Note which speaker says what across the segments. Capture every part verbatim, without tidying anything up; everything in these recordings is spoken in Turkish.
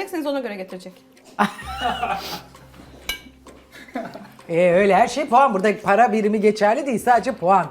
Speaker 1: verecekseniz ona göre getirecek.
Speaker 2: Ee, öyle her şey puan. Burada para birimi geçerli değil, sadece puan.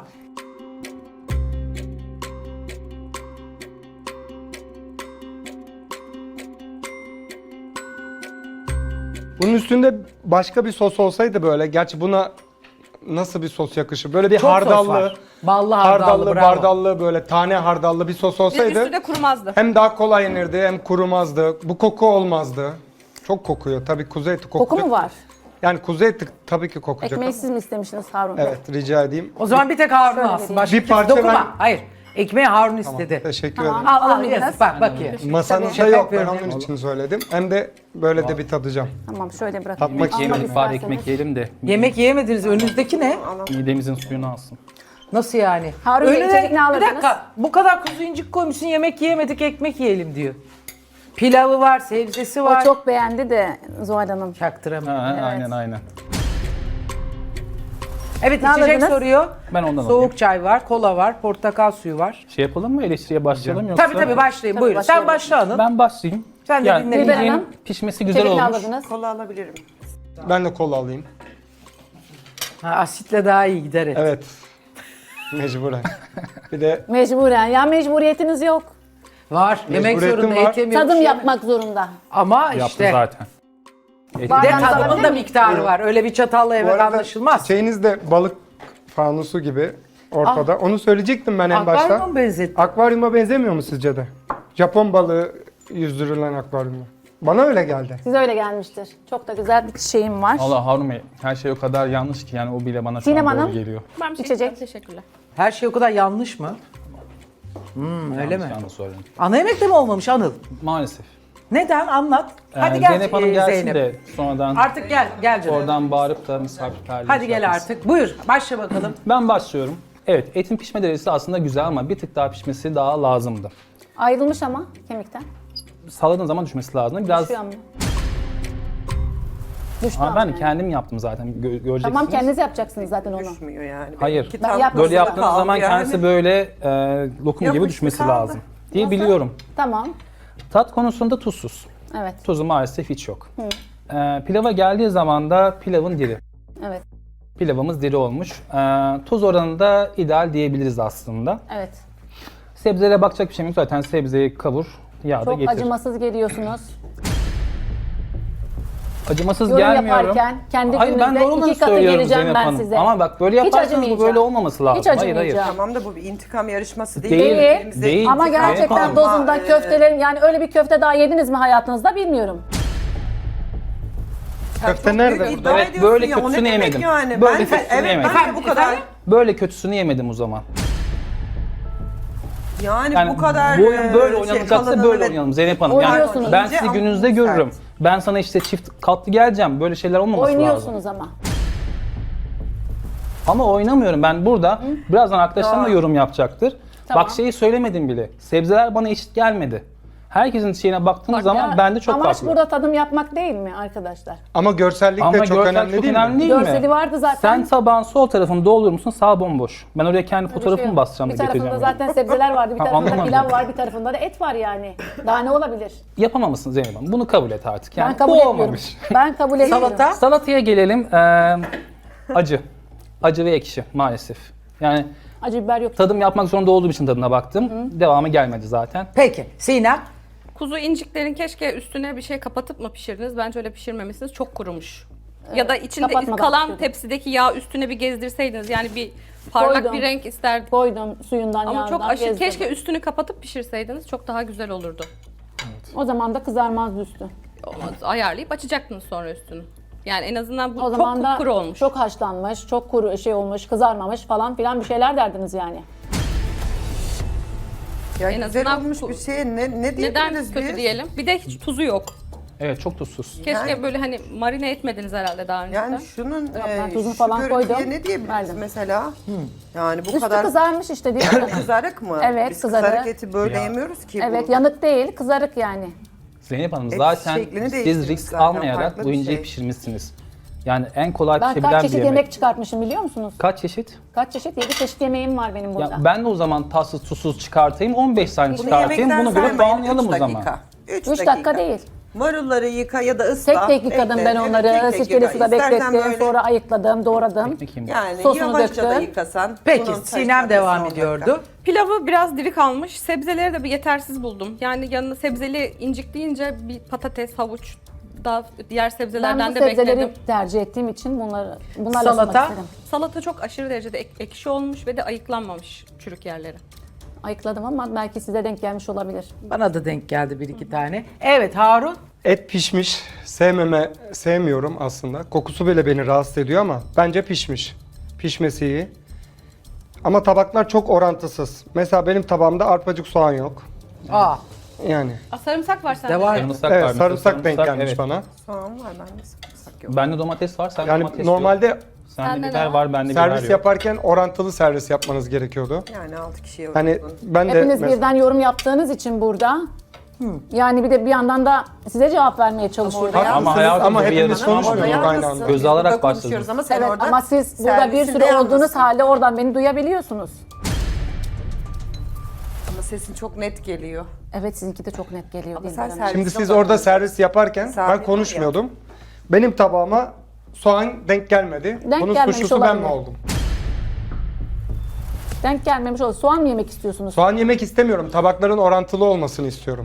Speaker 3: Bunun üstünde başka bir sos olsaydı böyle, gerçi buna nasıl bir sos yakışır? Böyle bir
Speaker 2: Çok sos
Speaker 3: hardallı,
Speaker 2: var. Ballı hardallı,
Speaker 3: hardallı,
Speaker 2: bravo.
Speaker 3: bardallı, böyle tane hardallı bir sos
Speaker 1: Bir
Speaker 3: olsaydı
Speaker 1: üstü de kurumazdı.
Speaker 3: hem daha kolay yenirdi hem kurumazdı. Bu koku olmazdı. Çok kokuyor. Tabii kuzu eti kokuyor.
Speaker 4: Koku mu var?
Speaker 3: Yani kuzu eti tabii ki kokacak.
Speaker 4: Ekmeği
Speaker 3: ama-
Speaker 4: siz mi istemiştiniz Harun Bey?
Speaker 3: Evet, rica edeyim.
Speaker 2: O zaman bir tek Harun
Speaker 4: Şöyle
Speaker 2: alsın.
Speaker 4: vereyim.
Speaker 2: Başka
Speaker 3: Bir
Speaker 2: kimse
Speaker 3: parça
Speaker 2: dokunma.
Speaker 3: ben-
Speaker 2: Hayır. Ekmeği Harun istedi.
Speaker 3: Teşekkür
Speaker 4: Tamam.
Speaker 3: ederim.
Speaker 2: Al al
Speaker 4: Alabiliriz.
Speaker 2: biraz. Bak bakayım.
Speaker 3: Masanızda
Speaker 2: Şaka
Speaker 3: yok, ben
Speaker 2: yapıyorum.
Speaker 3: onun için söyledim. Hem de böyle de bir tadacağım.
Speaker 4: Tamam şöyle bırakayım.
Speaker 3: Tatmak
Speaker 4: Almak
Speaker 3: yiyelim,
Speaker 5: Yiyelim, bari
Speaker 4: isterseniz.
Speaker 5: ekmek yiyelim de
Speaker 2: Yemek yiyemediniz. Önünüzdeki ne?
Speaker 5: midemizin suyunu alsın.
Speaker 2: Nasıl yani?
Speaker 4: Harun Bey, içecek ne
Speaker 2: bir
Speaker 4: alırdınız?
Speaker 2: dakika. Bu kadar kuzu incik koymuşsun, yemek yiyemedik, ekmek yiyelim diyor. Pilavı var, sebzesi var.
Speaker 4: O çok beğendi de Zuhal Hanım.
Speaker 2: Çaktıramadım.
Speaker 5: Ha, Aynen aynen.
Speaker 2: Evet,
Speaker 4: Ne
Speaker 2: içecek
Speaker 4: alırdınız?
Speaker 2: soruyor.
Speaker 5: Ben ondan
Speaker 2: Soğuk
Speaker 5: alayım.
Speaker 2: çay var, kola var, portakal suyu var.
Speaker 5: Şey yapalım mı, eleştiriye başlayalım yoksa?
Speaker 2: Tabii tabii başlayın,
Speaker 4: Tabii,
Speaker 2: buyurun. Sen
Speaker 4: başlayalım.
Speaker 2: başla Anıl.
Speaker 5: Ben başlayayım.
Speaker 2: Sen de dinle.
Speaker 4: Dilber
Speaker 5: midyenin
Speaker 4: Hanım,
Speaker 5: pişmesi güzel
Speaker 4: İçecek ne
Speaker 5: olmuş.
Speaker 4: alırdınız?
Speaker 6: Kola alabilirim.
Speaker 3: Ben de kola alayım.
Speaker 2: Ha, asitle daha iyi gider et.
Speaker 3: Evet. Mecburen. Bir de
Speaker 4: Mecburen. Ya mecburiyetiniz yok.
Speaker 2: Var. Yemek
Speaker 3: Mecburiyetim
Speaker 2: zorunda,
Speaker 3: var.
Speaker 2: et yemiyormuş.
Speaker 4: Tadım
Speaker 2: yani.
Speaker 4: yapmak zorunda.
Speaker 2: Ama
Speaker 5: Yaptım
Speaker 2: işte.
Speaker 5: zaten. Et-
Speaker 2: Bir de
Speaker 4: Bardağınızı
Speaker 2: tadımın
Speaker 4: alabilir
Speaker 2: da
Speaker 4: miyim?
Speaker 2: miktarı var. Öyle bir çatalla
Speaker 3: bu
Speaker 2: yemek
Speaker 3: arada
Speaker 2: anlaşılmaz.
Speaker 3: çiçeğiniz de balık fanusu gibi ortada. Onu söyleyecektim ben en başta.
Speaker 2: Akvaryuma mı benzettin?
Speaker 3: Akvaryuma benzemiyor mu sizce de? Japon balığı yüzdürülen akvaryuma. Bana öyle geldi.
Speaker 4: Size öyle gelmiştir. Çok da güzel bir çiçeğim var.
Speaker 5: Allah Harun Bey, her şey o kadar yanlış ki yani o bile bana şu
Speaker 4: Sinem
Speaker 5: an doğru
Speaker 4: Hanım.
Speaker 5: geliyor.
Speaker 1: Ben bir şey
Speaker 4: İçecek.
Speaker 1: içecek. Teşekkürler.
Speaker 2: Her şey o kadar yanlış mı? Hmm, öyle mi?
Speaker 5: Yanlış yanlış söyledim.
Speaker 2: Ana yemek de mi olmamış Anıl?
Speaker 5: Maalesef.
Speaker 2: Neden? Anlat.
Speaker 5: Ee,
Speaker 2: Hadi gel
Speaker 5: Zeynep Hanım
Speaker 2: e,
Speaker 5: gelsin
Speaker 2: Zeynep.
Speaker 5: de sonradan
Speaker 2: Artık gel, gel canım.
Speaker 5: oradan bağırıp da misafirperliği
Speaker 2: Hadi
Speaker 5: şey
Speaker 2: gel
Speaker 5: yapmasın.
Speaker 2: artık. Buyur, başla bakalım.
Speaker 5: Ben başlıyorum. Evet, etin pişme derecesi aslında güzel ama bir tık daha pişmesi daha lazımdı.
Speaker 4: Ayrılmış ama kemikten.
Speaker 5: Salladığın zaman düşmesi lazım. Biraz
Speaker 4: Düşüyor mu? Düştü
Speaker 5: ama
Speaker 4: ama
Speaker 5: ben
Speaker 4: yani.
Speaker 5: kendim yaptım zaten. Gö- göreceksiniz.
Speaker 4: Tamam kendiniz yapacaksınız zaten onu.
Speaker 6: Düşmüyor yani.
Speaker 5: Hayır.
Speaker 6: İki
Speaker 4: Ben
Speaker 6: tane
Speaker 4: yapmadım.
Speaker 5: Böyle yaptığınız
Speaker 6: kaldı
Speaker 5: zaman
Speaker 6: yani.
Speaker 5: kendisi böyle e, lokum gibi
Speaker 6: Yapıştı
Speaker 5: düşmesi
Speaker 6: kaldı.
Speaker 5: lazım diye biliyorum.
Speaker 4: Tamam.
Speaker 5: Tat konusunda tuzsuz.
Speaker 4: Evet.
Speaker 5: Tuzu maalesef hiç yok. E, pilava geldiği zaman da pilavın diri.
Speaker 4: Evet.
Speaker 5: Pilavımız diri olmuş. E, tuz oranı da ideal diyebiliriz aslında.
Speaker 4: Evet.
Speaker 5: Sebzelere bakacak bir şey yok. Zaten sebzeyi kavur, yağda
Speaker 4: Çok
Speaker 5: getir.
Speaker 4: acımasız geliyorsunuz.
Speaker 5: Acımasız
Speaker 4: Yorum
Speaker 5: gelmiyorum.
Speaker 4: yaparken kendi
Speaker 5: Hayır ben
Speaker 4: gününüzde
Speaker 5: doğru olanı
Speaker 4: iki katı
Speaker 5: söylüyorum
Speaker 4: geleceğim
Speaker 5: Zeynep
Speaker 4: ben
Speaker 5: Hanım.
Speaker 4: size.
Speaker 5: Ama bak böyle
Speaker 4: Hiç
Speaker 5: yaparsanız bu
Speaker 4: acımayacağım.
Speaker 5: böyle olmaması lazım.
Speaker 4: Hiç
Speaker 5: Hayır hayır.
Speaker 4: acımayacağım.
Speaker 6: Tamam da bu bir intikam yarışması değil.
Speaker 5: Değil,
Speaker 6: Birbirimize
Speaker 5: değil.
Speaker 4: Ama
Speaker 6: intikam
Speaker 4: gerçekten
Speaker 5: Zeynep Hanım.
Speaker 4: dozunda
Speaker 6: Ama, e,
Speaker 4: köftelerin yani öyle bir köfte daha yediniz mi hayatınızda bilmiyorum.
Speaker 3: Köfte
Speaker 6: çok
Speaker 3: nerede
Speaker 6: büyük
Speaker 3: burada?
Speaker 6: iddia
Speaker 5: Evet,
Speaker 6: ediyorsun
Speaker 5: böyle
Speaker 6: ya, o ne
Speaker 5: kötüsünü
Speaker 6: demek
Speaker 5: yemedim.
Speaker 6: Yani.
Speaker 5: Böyle
Speaker 6: ben de,
Speaker 5: kötüsünü
Speaker 6: evet,
Speaker 5: yemedim.
Speaker 6: ben de bu kadar.
Speaker 5: Böyle kötüsünü yemedim o zaman.
Speaker 6: Yani,
Speaker 5: Yani
Speaker 6: bu kadar
Speaker 5: bu oyun böyle
Speaker 6: e,
Speaker 5: oynanacaksa
Speaker 6: kalanını
Speaker 5: böyle
Speaker 6: ve-
Speaker 5: oynayalım Zeynep Hanım. Yani
Speaker 4: Oynuyorsunuz.
Speaker 5: ben
Speaker 6: İnce
Speaker 5: sizi
Speaker 6: ama
Speaker 5: gününüzde
Speaker 6: sert.
Speaker 5: görürüm. Ben sana işte çift katlı geleceğim. Böyle şeyler olmaması lazım.
Speaker 4: Oynuyorsunuz ama.
Speaker 5: Ama oynamıyorum. Ben burada birazdan arkadaşlarım da
Speaker 6: Doğru.
Speaker 5: yorum yapacaktır.
Speaker 4: Tamam.
Speaker 5: Bak şeyi söylemedim bile. Sebzeler bana eşit gelmedi. Herkesin şeyine baktığınız
Speaker 4: Bak
Speaker 5: zaman
Speaker 4: ya,
Speaker 5: bende çok
Speaker 4: amaç
Speaker 5: farklı.
Speaker 4: burada tadım yapmak değil mi arkadaşlar?
Speaker 3: Ama görsellik
Speaker 5: Ama
Speaker 3: de çok
Speaker 5: görsel
Speaker 3: önemli
Speaker 5: çok
Speaker 3: değil
Speaker 5: önemli
Speaker 3: mi?
Speaker 5: değil mi?
Speaker 4: Görseli vardı zaten.
Speaker 5: Sen tabağın sol tarafını doldurur musun? Sağ bomboş. Ben oraya kendi
Speaker 4: Öyle bir
Speaker 5: fotoğrafımı
Speaker 4: şey yok.
Speaker 5: basacağım da
Speaker 4: Bir tarafında
Speaker 5: getireceğim. yani.
Speaker 4: zaten sebzeler vardı, bir
Speaker 5: Ha,
Speaker 4: tarafında
Speaker 5: anlamadım.
Speaker 4: pilav var, bir tarafında da et var yani. Daha ne olabilir?
Speaker 5: Yapamamışsın Zeynep Hanım. Bunu kabul et artık. Yani
Speaker 4: Ben kabul
Speaker 5: bu
Speaker 4: etmiyorum.
Speaker 5: olmamış.
Speaker 4: Ben kabul etmiyorum.
Speaker 2: Salata.
Speaker 5: Salataya gelelim. Ee, acı. Acı ve ekşi maalesef. Yani
Speaker 4: Acı biber yok.
Speaker 5: tadım yapmak zorunda olduğum için tadına baktım. Devamı gelmedi zaten.
Speaker 2: Peki, Sinem.
Speaker 1: Kuzu inciklerin keşke üstüne bir şey kapatıp mı pişirdiniz? Bence öyle pişirmemişsiniz. Çok kurumuş. Ya da içinde
Speaker 4: kapatmadan
Speaker 1: kalan
Speaker 4: pişirdim.
Speaker 1: tepsideki yağ üstüne bir gezdirseydiniz. Yani bir parlak
Speaker 4: Koydum.
Speaker 1: bir renk isterdik.
Speaker 4: Koydum suyundan,
Speaker 1: Ama
Speaker 4: yağından
Speaker 1: çok aşırı.
Speaker 4: gezdirdim.
Speaker 1: Keşke üstünü kapatıp pişirseydiniz. Çok daha güzel olurdu.
Speaker 4: O zaman da kızarmazdı üstü.
Speaker 1: Olmaz. Ayarlayıp açacaktınız sonra üstünü. Yani en azından bu
Speaker 4: O zaman
Speaker 1: çok
Speaker 4: da
Speaker 1: kuru olmuş.
Speaker 4: çok haşlanmış, çok kuru şey olmuş, kızarmamış falan filan bir şeyler derdiniz yani.
Speaker 6: Ya
Speaker 1: En
Speaker 6: güzel
Speaker 1: azından
Speaker 6: olmuş
Speaker 1: bu-
Speaker 6: bir şeye ne, ne
Speaker 1: Neden
Speaker 6: diyebiliriz
Speaker 1: kötü
Speaker 6: biz?
Speaker 1: diyelim? Bir de hiç tuzu yok.
Speaker 5: Evet çok tuzsuz.
Speaker 1: Keşke
Speaker 6: Yani-
Speaker 1: böyle hani marine etmediniz herhalde daha önce.
Speaker 6: Yani şunun
Speaker 4: ben
Speaker 6: e,
Speaker 4: tuzunu
Speaker 6: şu
Speaker 4: falan
Speaker 6: görüntüye
Speaker 4: koydum,
Speaker 6: ne diyebiliriz
Speaker 4: verdim.
Speaker 6: mesela? Yani bu
Speaker 4: Üstü
Speaker 6: kadar
Speaker 4: kızarmış işte değil mi?
Speaker 6: kızarık mı?
Speaker 4: Evet,
Speaker 6: Biz
Speaker 4: kızarık.
Speaker 6: kızarık eti böyle
Speaker 5: Ya.
Speaker 6: yemiyoruz ki.
Speaker 4: Evet,
Speaker 6: bu.
Speaker 4: yanık değil, kızarık yani.
Speaker 5: Zeynep Hanım
Speaker 6: Et
Speaker 5: zaten
Speaker 6: şeklini
Speaker 5: siz
Speaker 6: değiştirmiş
Speaker 5: risk
Speaker 6: zaten,
Speaker 5: almayarak
Speaker 6: farklı
Speaker 5: bu
Speaker 6: bir
Speaker 5: inceyi
Speaker 6: şey.
Speaker 5: pişirmişsiniz. Yani en kolay
Speaker 4: Ben
Speaker 5: pişebilen
Speaker 4: kaç
Speaker 5: bir
Speaker 4: çeşit
Speaker 5: yemek.
Speaker 4: yemek çıkartmışım biliyor musunuz?
Speaker 5: Kaç çeşit?
Speaker 4: Kaç çeşit? yedi çeşit yemeğim var benim burada.
Speaker 5: Ya ben de o zaman tatsız tuzsuz çıkartayım, on beş tane
Speaker 6: Bunu
Speaker 5: çıkartayım.
Speaker 6: yemekten
Speaker 5: Buna göre
Speaker 6: saymayın,
Speaker 5: puanlayalım
Speaker 6: üç
Speaker 5: o zaman.
Speaker 6: dakika. üç
Speaker 4: üç dakika değil.
Speaker 6: Marulları yıka ya da ısla.
Speaker 4: Tek tek yıkadım
Speaker 6: bekle.
Speaker 4: ben
Speaker 6: Evet,
Speaker 4: onları.
Speaker 6: tek tek
Speaker 4: Sirkeli
Speaker 6: yıka.
Speaker 4: suda
Speaker 6: İstersen
Speaker 4: beklettim.
Speaker 6: böyle-
Speaker 4: Sonra ayıkladım, doğradım.
Speaker 5: Ekmek yiyeyim.
Speaker 6: Yani
Speaker 4: Sosunu
Speaker 6: yavaşça da
Speaker 4: döktüm.
Speaker 6: yıkasan.
Speaker 2: Peki
Speaker 6: bunun
Speaker 2: Sinem
Speaker 6: taşlanması
Speaker 2: devam
Speaker 6: on dakika.
Speaker 2: ediyordu.
Speaker 1: Pilavı biraz diri kalmış. Sebzeleri de bir yetersiz buldum. Yani yanına sebzeli incik deyince bir patates, havuç, daha diğer
Speaker 4: Ben
Speaker 1: sebzelerden
Speaker 4: bu
Speaker 1: de
Speaker 4: sebzeleri
Speaker 1: bekledim.
Speaker 4: tercih ettiğim için bunları bunlarla
Speaker 2: Salata?
Speaker 4: ısınmak istedim.
Speaker 1: Salata çok aşırı derecede ek- ekşi olmuş ve de ayıklanmamış çürük yerleri.
Speaker 4: Ayıkladım ama belki size denk gelmiş olabilir.
Speaker 2: Bana da denk geldi bir iki tane. Evet Harun.
Speaker 3: Et pişmiş. Sevmeme, sevmiyorum aslında. Kokusu bile beni rahatsız ediyor ama bence pişmiş. Pişmesi iyi. Ama tabaklar çok orantısız. Mesela benim tabağımda arpacık soğan yok.
Speaker 2: Aa,
Speaker 3: Yani.
Speaker 1: Aa, sarımsak var sende.
Speaker 2: de var.
Speaker 5: Sarımsak
Speaker 3: Evet,
Speaker 5: var.
Speaker 3: sarımsak
Speaker 5: mesela.
Speaker 3: denk
Speaker 5: Sarımsak,
Speaker 3: gelmiş
Speaker 5: evet.
Speaker 3: bana.
Speaker 6: Soğan var bende sarımsak yok.
Speaker 5: Bende domates var, sende
Speaker 3: Yani
Speaker 5: domates
Speaker 3: normalde
Speaker 5: yok. Sende
Speaker 1: Sende
Speaker 5: biber
Speaker 1: ne
Speaker 5: var, bende biber
Speaker 3: servis
Speaker 5: yok.
Speaker 3: yaparken orantılı servis yapmanız gerekiyordu.
Speaker 6: Yani altı kişiye
Speaker 3: Hani
Speaker 6: uygun.
Speaker 3: ben de
Speaker 4: Hepiniz
Speaker 3: mes-
Speaker 4: birden yorum yaptığınız için burada. Yani bir de bir yandan da size cevap vermeye çalışıyorum.
Speaker 6: orada
Speaker 5: Ama
Speaker 3: Haklısınız
Speaker 5: hayatım
Speaker 3: ama
Speaker 5: bu bir
Speaker 3: hepimiz
Speaker 5: yarışma ama
Speaker 3: konuşmuyoruz
Speaker 6: Orada
Speaker 3: aynı
Speaker 6: yalnızsın.
Speaker 3: anda.
Speaker 5: Göze alarak
Speaker 6: Burada konuşuyoruz
Speaker 5: başladınız.
Speaker 6: Ama sen
Speaker 4: Evet
Speaker 6: orada
Speaker 4: ama siz burada bir
Speaker 6: servisinde
Speaker 4: sürü olduğunuz
Speaker 6: yalnızsın.
Speaker 4: halde oradan beni duyabiliyorsunuz.
Speaker 6: Ama sesin çok net geliyor.
Speaker 4: Evet sizinki de çok net geliyor.
Speaker 6: Ama
Speaker 4: Dilber
Speaker 6: sen
Speaker 4: Hanım.
Speaker 6: servis-
Speaker 3: Şimdi siz
Speaker 6: Yok,
Speaker 3: orada
Speaker 6: yok.
Speaker 3: servis yaparken
Speaker 6: Misafir
Speaker 3: ben
Speaker 6: var
Speaker 3: konuşmuyordum. Benim tabağıma soğan denk gelmedi.
Speaker 4: Denk
Speaker 3: Bunun
Speaker 4: gelmemiş
Speaker 3: suçlusu ben mi
Speaker 4: olabilir.
Speaker 3: oldum?
Speaker 4: Denk gelmemiş olur. Soğan mı yemek istiyorsunuz?
Speaker 3: Soğan yemek istemiyorum. Tabakların orantılı olmasını istiyorum.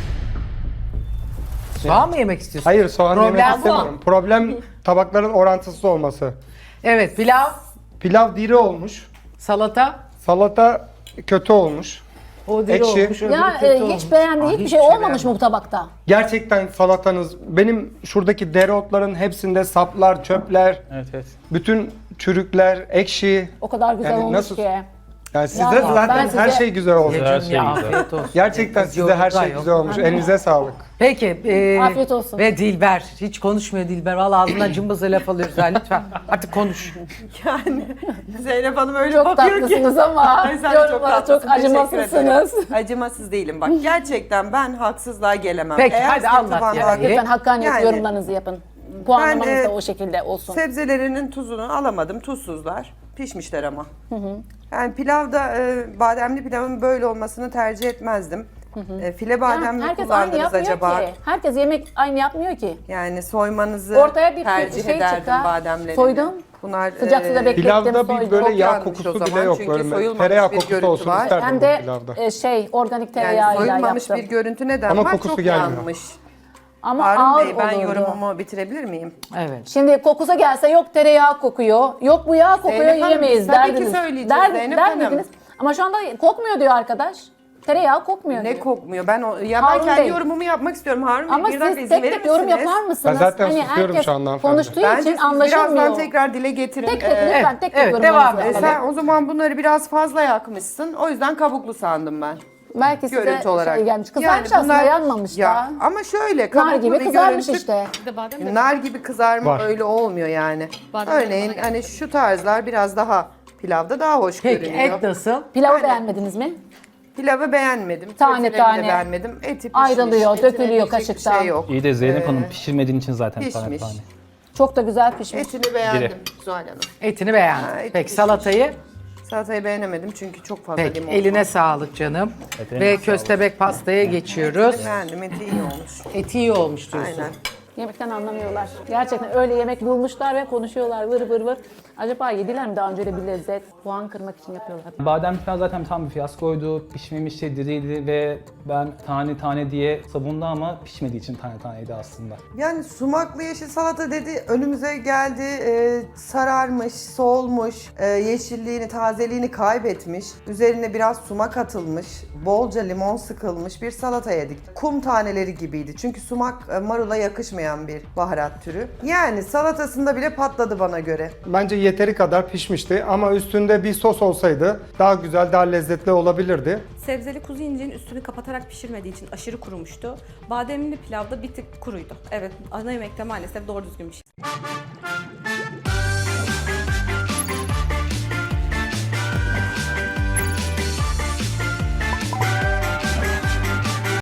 Speaker 2: Soğan mı yemek istiyorsun?
Speaker 3: Hayır, soğan
Speaker 2: Problem
Speaker 3: yemek
Speaker 2: bu.
Speaker 3: istemiyorum. Problem tabakların orantısız olması.
Speaker 2: Evet pilav,
Speaker 3: Pilav diri olmuş.
Speaker 2: salata.
Speaker 3: Salata kötü olmuş.
Speaker 2: O diri
Speaker 3: Ekşi.
Speaker 2: olmuş, öbürü
Speaker 4: Ya
Speaker 2: kötü
Speaker 4: e,
Speaker 2: olmuş.
Speaker 4: hiç beğendiğin
Speaker 2: Aa,
Speaker 4: hiçbir
Speaker 2: hiçbir
Speaker 4: şey
Speaker 2: şey
Speaker 4: olmamış
Speaker 2: beğenmedim.
Speaker 4: mı bu tabakta?
Speaker 3: Gerçekten salatanız, benim şuradaki dereotların hepsinde saplar, çöpler,
Speaker 5: Evet, evet.
Speaker 3: bütün çürükler, ekşi.
Speaker 4: O kadar güzel
Speaker 3: Yani
Speaker 4: olmuş
Speaker 3: nasıl-
Speaker 4: ki.
Speaker 3: Yani sizde
Speaker 4: Ya,
Speaker 3: zaten
Speaker 4: ben
Speaker 3: her
Speaker 4: size-
Speaker 3: şey güzel olmuş.
Speaker 5: Her
Speaker 2: Canım
Speaker 5: şey
Speaker 2: ya,
Speaker 5: güzel.
Speaker 2: afiyet olsun.
Speaker 3: Gerçekten
Speaker 2: Biz
Speaker 3: size her
Speaker 2: yolda
Speaker 3: şey
Speaker 2: yok.
Speaker 3: güzel olmuş. Elinize sağlık.
Speaker 2: Peki. e,
Speaker 4: Afiyet olsun.
Speaker 2: Ve Dilber. Hiç konuşmuyor Dilber. Vallahi ağzından cımbızla laf alıyoruz ha lütfen. Artık konuş.
Speaker 6: Yani Zeynep Hanım öyle
Speaker 4: Çok
Speaker 6: bakıyor ki.
Speaker 4: tatlısınız ama
Speaker 6: Ay, sen de çok
Speaker 4: yorumlara
Speaker 6: tatlısın,
Speaker 4: çok
Speaker 6: teşekkür
Speaker 4: acımasızsınız.
Speaker 6: ederim. Acımasız değilim bak. Gerçekten ben haksızlığa gelemem.
Speaker 2: Peki,
Speaker 6: Eğer
Speaker 2: hadi
Speaker 6: senin
Speaker 2: anlat
Speaker 6: tabağında
Speaker 2: yani.
Speaker 6: haklı-
Speaker 4: Lütfen hakkaniyet
Speaker 6: Yani
Speaker 4: yorumlarınızı yapın. Puanlamanız
Speaker 6: Ben, e,
Speaker 4: da o şekilde olsun.
Speaker 6: Sebzelerinin tuzunu alamadım. Tuzsuzlar. Pişmişler ama. Yani pilavda e, bademli pilavın böyle olmasını tercih etmezdim. E, file badem
Speaker 4: Yani
Speaker 6: mi
Speaker 4: herkes aynı
Speaker 6: kullandınız
Speaker 4: yapmıyor
Speaker 6: acaba?
Speaker 4: ki. Herkes yemek aynı yapmıyor ki.
Speaker 6: Yani soymanızı
Speaker 4: Ortaya bir
Speaker 6: tercih
Speaker 4: şey
Speaker 6: ederdim
Speaker 4: çıkar.
Speaker 6: bademlerini.
Speaker 4: Soydum.
Speaker 6: Bunlar
Speaker 4: Sıcak suda beklettim,
Speaker 3: Pilavda bir
Speaker 4: soydum.
Speaker 3: böyle
Speaker 6: Çok
Speaker 3: yağ
Speaker 6: yanlış
Speaker 3: kokusu
Speaker 6: o
Speaker 3: bile
Speaker 6: zaman,
Speaker 3: yok.
Speaker 6: çünkü
Speaker 3: Böyle
Speaker 6: soyulmamış
Speaker 3: tereyağı
Speaker 6: bir
Speaker 3: kokusu
Speaker 6: görüntü
Speaker 3: olsun
Speaker 6: var.
Speaker 3: isterdim
Speaker 4: Hem
Speaker 3: bu
Speaker 4: de
Speaker 3: pilavda.
Speaker 4: e, şey organik
Speaker 6: Yani
Speaker 4: tereyağıyla
Speaker 6: soyulmamış
Speaker 4: yaptım.
Speaker 6: bir görüntü neden
Speaker 3: Ama
Speaker 6: var?
Speaker 3: kokusu
Speaker 6: Çok
Speaker 3: gelmiyor.
Speaker 6: yanmış.
Speaker 4: Ama
Speaker 6: Harun
Speaker 4: ağır
Speaker 6: Bey ben
Speaker 4: olurdu.
Speaker 6: yorumumu bitirebilir miyim?
Speaker 2: Evet.
Speaker 4: Şimdi kokusa gelse yok tereyağı kokuyor, yok bu yağ kokuyor
Speaker 6: Zeynep Hanım,
Speaker 4: yiyemeyiz
Speaker 6: biz tabii ki
Speaker 4: derdiniz.
Speaker 6: söyleyeceğiz
Speaker 4: Der,
Speaker 6: Zeynep
Speaker 4: der
Speaker 6: Hanım.
Speaker 4: miydiniz? Ama şu anda kokmuyor diyor arkadaş. Tereyağı kokmuyor
Speaker 6: Ne
Speaker 4: diyor.
Speaker 6: kokmuyor? Ben o, ya
Speaker 4: Harun
Speaker 6: ben kendi
Speaker 4: Bey.
Speaker 6: yorumumu yapmak istiyorum Harun Bey.
Speaker 4: Ama
Speaker 6: bir dakika
Speaker 4: siz
Speaker 6: izin
Speaker 4: tek
Speaker 6: verir
Speaker 4: tek yorum
Speaker 6: misiniz?
Speaker 4: yapar mısınız?
Speaker 3: Ben zaten susuyorum
Speaker 4: herkes
Speaker 3: şu anda hanımefendi.
Speaker 4: konuştuğu
Speaker 6: Bence
Speaker 4: için
Speaker 6: siz
Speaker 4: anlaşılmıyor.
Speaker 6: birazdan tekrar dile getirin.
Speaker 4: Tek tek
Speaker 6: Ee,
Speaker 4: lütfen tek tek
Speaker 2: evet,
Speaker 4: yorumlarınızı
Speaker 2: devam
Speaker 6: e,
Speaker 2: et.
Speaker 4: alalım.
Speaker 6: sen o zaman bunları biraz fazla yakmışsın. O yüzden kabuklu sandım ben.
Speaker 4: Belki size
Speaker 6: Görüntü olarak.
Speaker 4: şey gelmiş. Kızarmış
Speaker 6: Yani
Speaker 4: aslında
Speaker 6: bunlar-
Speaker 4: yanmamış
Speaker 6: ya,
Speaker 4: da.
Speaker 6: Ama şöyle
Speaker 4: Nar
Speaker 6: kabuklu
Speaker 4: gibi
Speaker 6: bir
Speaker 4: kızarmış
Speaker 6: görüntü.
Speaker 4: işte.
Speaker 1: Bir de badem de
Speaker 6: Nar gibi kızarma
Speaker 3: Var.
Speaker 6: öyle olmuyor yani.
Speaker 1: Badem
Speaker 6: Örneğin
Speaker 1: bana
Speaker 6: hani şu tarzlar biraz daha pilavda daha hoş
Speaker 2: Peki
Speaker 6: görünüyor.
Speaker 2: et nasıl?
Speaker 4: Pilavı
Speaker 6: Aynen.
Speaker 4: beğenmediniz mi?
Speaker 6: Pilavı beğenmedim.
Speaker 4: Tane
Speaker 6: köftelerini
Speaker 4: tane.
Speaker 6: de beğenmedim. Eti pişmiş.
Speaker 4: Ayrılıyor,
Speaker 6: etine
Speaker 4: dökülüyor
Speaker 6: diyecek bir
Speaker 4: kaşıktan.
Speaker 6: Şey yok.
Speaker 5: İyi de Zeynep
Speaker 6: Ee,
Speaker 5: Hanım pişirmediğin için zaten tane
Speaker 6: pişmiş.
Speaker 5: tane.
Speaker 4: Çok da güzel pişmiş.
Speaker 6: Etini beğendim
Speaker 5: Biri.
Speaker 6: Zuhal Hanım.
Speaker 2: Etini beğendin.
Speaker 6: Ha, eti
Speaker 2: Peki
Speaker 6: pişmiş.
Speaker 2: salatayı?
Speaker 6: Salatayı beğenemedim çünkü çok fazla
Speaker 2: Peki
Speaker 6: limon
Speaker 2: eline
Speaker 6: var.
Speaker 2: sağlık canım.
Speaker 5: Evet, eline
Speaker 2: Ve
Speaker 5: sağlık.
Speaker 2: köstebek pastaya geçiyoruz.
Speaker 6: Beğendim, eti iyi olmuş.
Speaker 2: Eti iyi olmuş diyorsun.
Speaker 6: Aynen.
Speaker 4: Yemekten anlamıyorlar. Gerçekten öyle yemek bulmuşlar ve konuşuyorlar vır vır vır. Acaba yediler mi daha önce de bir lezzet? Puan kırmak için yapıyorlar.
Speaker 5: Badem pilav zaten tam bir fiyaskoydu. Pişmemişti, diriydi ve ben tane tane diye savundu ama pişmediği için tane taneydi aslında.
Speaker 6: Yani sumaklı yeşil salata dedi, önümüze geldi, e, sararmış, solmuş, e, yeşilliğini, tazeliğini kaybetmiş. Üzerine biraz sumak atılmış, bolca limon sıkılmış bir salata yedik. Kum taneleri gibiydi çünkü sumak e, marula yakışmayan bir baharat türü. Yani salatasında bile patladı bana göre.
Speaker 3: Bence yeteri kadar pişmişti ama üstünde bir sos olsaydı daha güzel, daha lezzetli olabilirdi.
Speaker 1: Sebzeli kuzu inciğin üstünü kapatarak pişirmediği için aşırı kurumuştu. Bademli pilavda bir tık kuruydu. Evet, ana yemekte maalesef doğru düzgün bir şey.